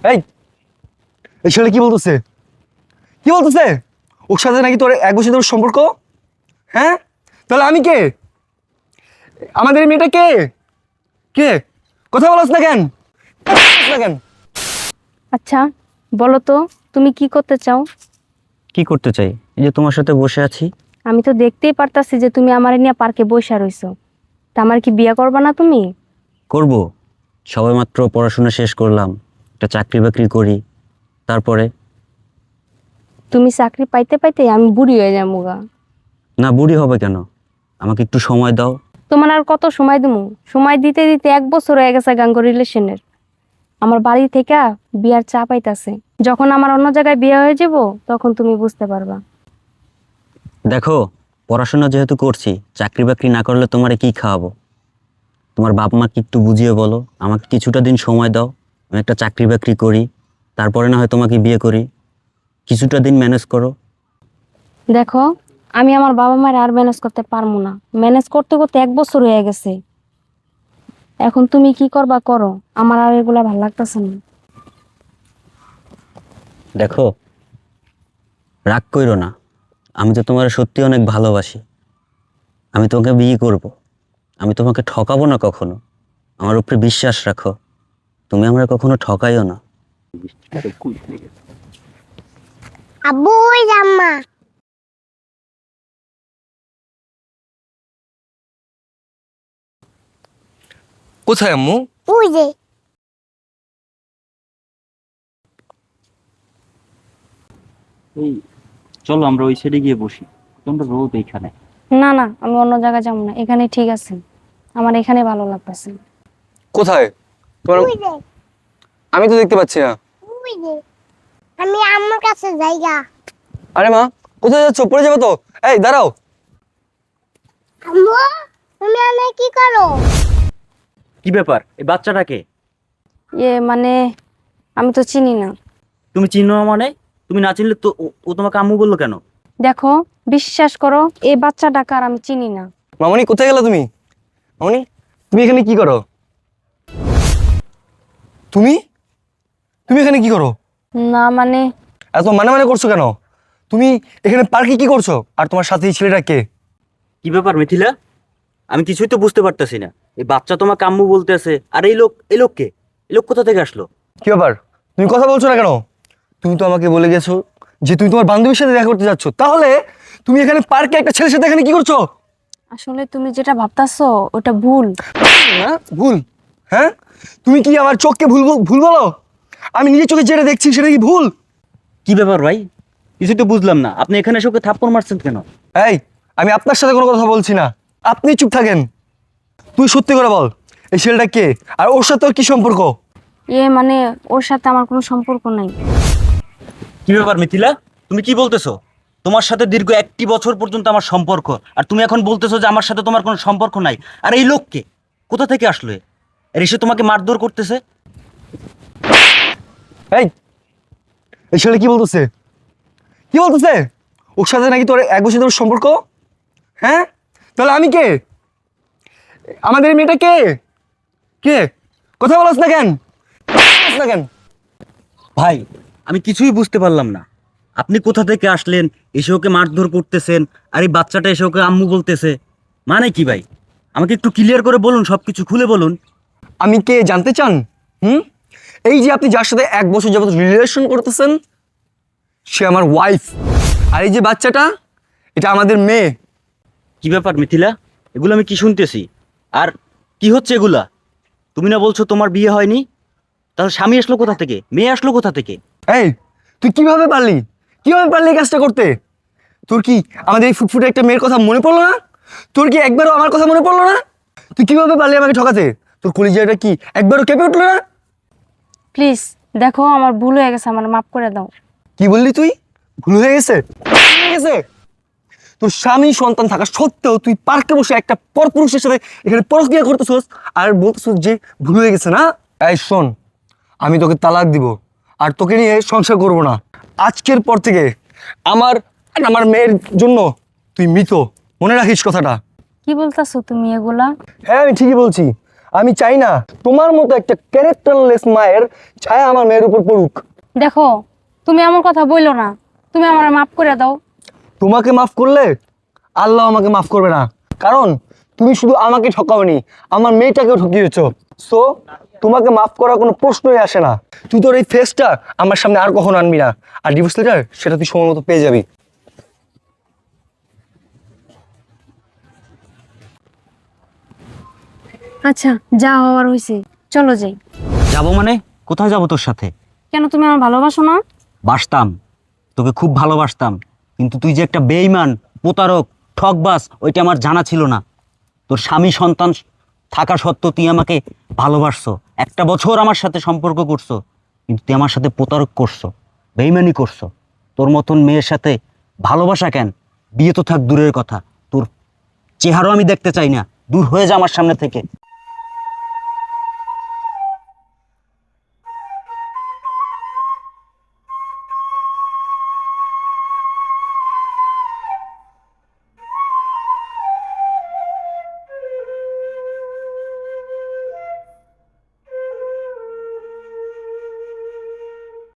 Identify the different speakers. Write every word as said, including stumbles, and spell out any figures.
Speaker 1: এই এই ছেলে কি বলতেছে কি বলতেছে ওর সাথে নাকি তোর এক বছর ধরে সম্পর্ক? হ্যাঁ, তাহলে আমি কে? আমাদের এই মেয়েটা কে? কে? কথা বলছ না কেন? না কেন?
Speaker 2: আচ্ছা বলো তো, তুমি কি করতে চাও?
Speaker 3: কি করতে চাই? এই যে তোমার সাথে বসে আছি।
Speaker 2: আমি তো দেখতেই পারতাছি যে তুমি আমার নিয়ে পার্কে বসে রইছো। তা আমার কি বিয়ে করবা না তুমি?
Speaker 3: করব। সবেমাত্র পড়াশোনা শেষ করলাম, একটা চাকরি বাকরি করি, তারপরে।
Speaker 2: তুমি চাকরি পাইতে পাইতে আমি বুড়ি হয়ে যাবো গা।
Speaker 3: না, বুড়ি হবে কেন? আমাকে একটু সময় দাও।
Speaker 2: তোমার আর কত সময় দেবো? সময় দিতে দিতে এক বছর হয়ে গেছে গাঙ্গ রিলেশনের। আমার বাড়ি থেকে বিয়ার চা পাইতাছে। যখন আমার অন্য জায়গায় বিয়ে হয়ে যাব তখন তুমি বুঝতে পারবা।
Speaker 3: দেখো, পড়াশোনা যেহেতু করছি, চাকরি বাকরি না করলে তোমারে কি খাওয়াবো? তোমার বাপ মাকে একটু বুঝিয়ে বলো, আমাকে কিছুটা দিন সময় দাও, আমি একটা চাকরি বাকরি করি, তারপরে না হয় তোমাকে বিয়ে করি। কিছুটা দিন ম্যানেজ করো।
Speaker 2: দেখো, আমি আমার বাবা মায়ের আর ম্যানেজ করতে পারবো না। ম্যানেজ করতে করতে এক বছর হয়ে গেছে। এখন তুমি কি করবা করো, আমার আর এগুলা ভালো লাগতেছে না।
Speaker 3: দেখো, রাগ কইরো না, আমি তো তোমার সত্যি অনেক ভালোবাসি। আমি তোমাকে বিয়ে করব, আমি তোমাকে ঠকাবো না কখনো। আমার উপরে বিশ্বাস রাখো, তুমি আমরা কখনো ঠকাইও না।
Speaker 4: আব্বু ওই জাম্মা
Speaker 1: কোথায় আম্মু?
Speaker 4: ওই যে
Speaker 3: এই চলো আমরা ওই সাইডে গিয়ে বসি, তোমরা রোদ এইখানে।
Speaker 2: না না, আমি অন্য জায়গায় যাবো না, এখানে ঠিক আছে। আমার এখানে ভালো লাগতেছে।
Speaker 1: কোথায় তোমার?
Speaker 4: ওই যে
Speaker 1: আমি তো দেখতে পাচ্ছি না।
Speaker 4: ওই যে আমি আম্মুর কাছে যাইগা।
Speaker 1: আরে মা, কোথায় যাচ্ছ? পড়ে যাবে তো। এই দাঁড়াও।
Speaker 4: আম্মু তুমি এনে কি করো?
Speaker 3: কি ব্যাপার, এই বাচ্চাটাকে?
Speaker 2: ইয়ে মানে আমি তো চিনি না।
Speaker 3: তুমি চিনো না মানে? তুমি না চিনলে তো ও- ও তোমাকে আম্মু বললো কেন?
Speaker 2: দেখো, বিশ্বাস করো, এই বাচ্চাটাকে আর আমি চিনি না।
Speaker 1: মামনি কোথায় গেলা তুমি? মামনি, তুমি এখানে কি করো? তুমি তুমি এখানে কি করো?
Speaker 2: না মানে
Speaker 1: এত মানে মানে করছো কেন? তুমি এখানে পার্কে কি করছো? আর তোমার সাথে এই ছেলেটা কে?
Speaker 3: কি ব্যাপার মিথিলা? আমি কিছুই তো বুঝতে পারতেছি না। এই বাচ্চা তোমাকে আম্মু বলতেছে, আর এই লোক, এই লোক কে? এই লোক কোথা থেকে আসলো?
Speaker 1: কি ব্যাপার, তুমি কথা বলছো না কেন? তুমি তো আমাকে বলে গেছো যে তুমি তোমার বান্ধবীর সাথে দেখা করতে যাচ্ছ, তাহলে তুমি এখানে পার্কে একটা ছেলের সাথে এখানে কি করছো?
Speaker 2: আসলে তুমি যেটা ভাবতাছো ওটা ভুল।
Speaker 1: না ভুল? হ্যাঁ, তুমি কি আমার চোখকে ভুল বল- ভুল বলো? আমি নিজের চোখে যেটা দেখছি সেটা কি ভুল?
Speaker 3: কি ব্যাপার ভাই, কিছুই তো বুঝলাম না। আপনি এখানে এসে ওকে থাপ্পড় মারছেন কেন?
Speaker 1: এই, আমি আপনার সাথে কোনো কথা বলছি না, আপনি চুপ থাকেন। তুই সত্যি করে বল, এই ছেলেটা কে আর ওর সাথে ওর কি সম্পর্ক?
Speaker 2: ইয়ে মানে ওর সাথে আমার কোনো সম্পর্ক নাই।
Speaker 3: কি ব্যাপার মিথিলা, তুমি কি বলতেছো? তোমার সাথে দীর্ঘ একটি বছর পর্যন্ত আমার সম্পর্ক, আর তুমি এখন বলতেছো যে আমার সাথে তোমার কোনো সম্পর্ক নাই। আর এই লোককে কোথা থেকে আসলো? এ? আর এসে তোমাকে মারধর করতেছে।
Speaker 1: এই এই ছেলে কি বলতেছে কি বলতেছে ওর সাথে নাকি তোর এক বছর ধরে সম্পর্ক? হ্যাঁ, তাহলে আমি কে? আমাদের এই মেয়েটা কে? কে? কথা বলছ না কেন? বলছ না কেন?
Speaker 3: ভাই, আমি কিছুই বুঝতে পারলাম না। আপনি কোথা থেকে আসলেন, এসে ওকে মারধর করতেছেন, আর এই বাচ্চাটা এসে ওকে আম্মু বলতেছে, মানে কি ভাই? আমাকে একটু ক্লিয়ার করে বলুন, সবকিছু খুলে বলুন।
Speaker 1: আমি কে জানতে চান? হুম, এই যে আপনি যার সাথে এক বছর যাবত রিলেশন করতেছেন, সে আমার ওয়াইফ। আর এই যে বাচ্চাটা, এটা আমাদের মেয়ে।
Speaker 3: কি ব্যাপার মিথিলা, এগুলো আমি কি শুনতেছি? আর কি হচ্ছে এগুলা? তুমি না বলছো তোমার বিয়ে হয়নি? তাহলে স্বামী আসলো কোথা থেকে, মেয়ে আসলো কোথা থেকে?
Speaker 1: এই, তুই কিভাবে পারলি কিভাবে পারলি এই কাজটা করতে? তোর কি আমাদের এই ফুটফুটে একটা মেয়ের কথা মনে পড়লো না? তোর কি একবারও আমার কথা মনে পড়লো না? তুই কিভাবে পারলি আমাকে ঠকাতে? তোর কলিজাটা কি একবারও কেঁপে উঠলো না?
Speaker 2: প্লিজ দেখো, আমার ভুল হয়ে গেছে, আমার মাফ করে দাও।
Speaker 1: কি বললি তুই? ভুল হয়ে গেছে? ভুল হয়ে গেছে? তোর স্বামী সন্তান থাকা সত্ত্বেও তুই পার্কে বসে একটা পরপুরুষের সাথে এখানে পরক্রিয়া করতেছস আর বলতেছস যে ভুল হয়ে গেছে না? এই শোন, আমি তোকে তালাক দিব আর তোকে নিয়ে সংসার করব না। আজকের পর থেকে আমার আর আমার মেয়ের জন্য তুই মৃত, মনে রাখিস কথাটা।
Speaker 2: কি বলতাছো তুমি এগুলা?
Speaker 1: হ্যাঁ, আমি ঠিকই বলছি। আমি চাই না তোমার মতো একটা ক্যারেক্টারলেস মায়ের ছায়া আমার মেয়ের উপর পড়ুক।
Speaker 2: দেখো তুমি আমার কথা বললো না, তুমি আমার মাফ করে দাও।
Speaker 1: তোমাকে মাফ করলে আল্লাহ আমাকে মাফ করবে না, কারণ তুমি শুধু আমাকে ঠকাওনি, আমার মেয়েটাকেও ঠকিয়েছো। সো তোমাকে মাফ করার কোনো প্রশ্নই আসে না। তুই তোর এই ফেসটা আমার সামনে আর কখনো আনবি না, আর ডিভোর্স লেটার সেটা তুই সময় মতো পেয়ে যাবি।
Speaker 2: আচ্ছা যা হওয়ার হয়েছে, চলো যাই।
Speaker 3: যাবো মানে? কোথায় যাবো তোর সাথে?
Speaker 2: কেন তুমি আমার ভালোবাসো না?
Speaker 3: বাসতাম, তোকে খুব ভালোবাসতাম, কিন্তু তুই যে একটা বেঈমান, প্রতারক, ঠকবাজ, ওইটা আমার জানা ছিল না। তোর স্বামী সন্তান থাকা সত্ত্বেও তুই আমাকে ভালোবাসছো, একটা বছর আমার সাথে সম্পর্ক করছো, কিন্তু তুই আমার সাথে প্রতারক করছো, বেঈমানি করছো। তোর মতন মেয়ের সাথে ভালোবাসা কেন? বিয়ে তো থাক দূরের কথা, তোর চেহারাও আমি দেখতে চাই না, দূর হয়ে যা আমার সামনে থেকে।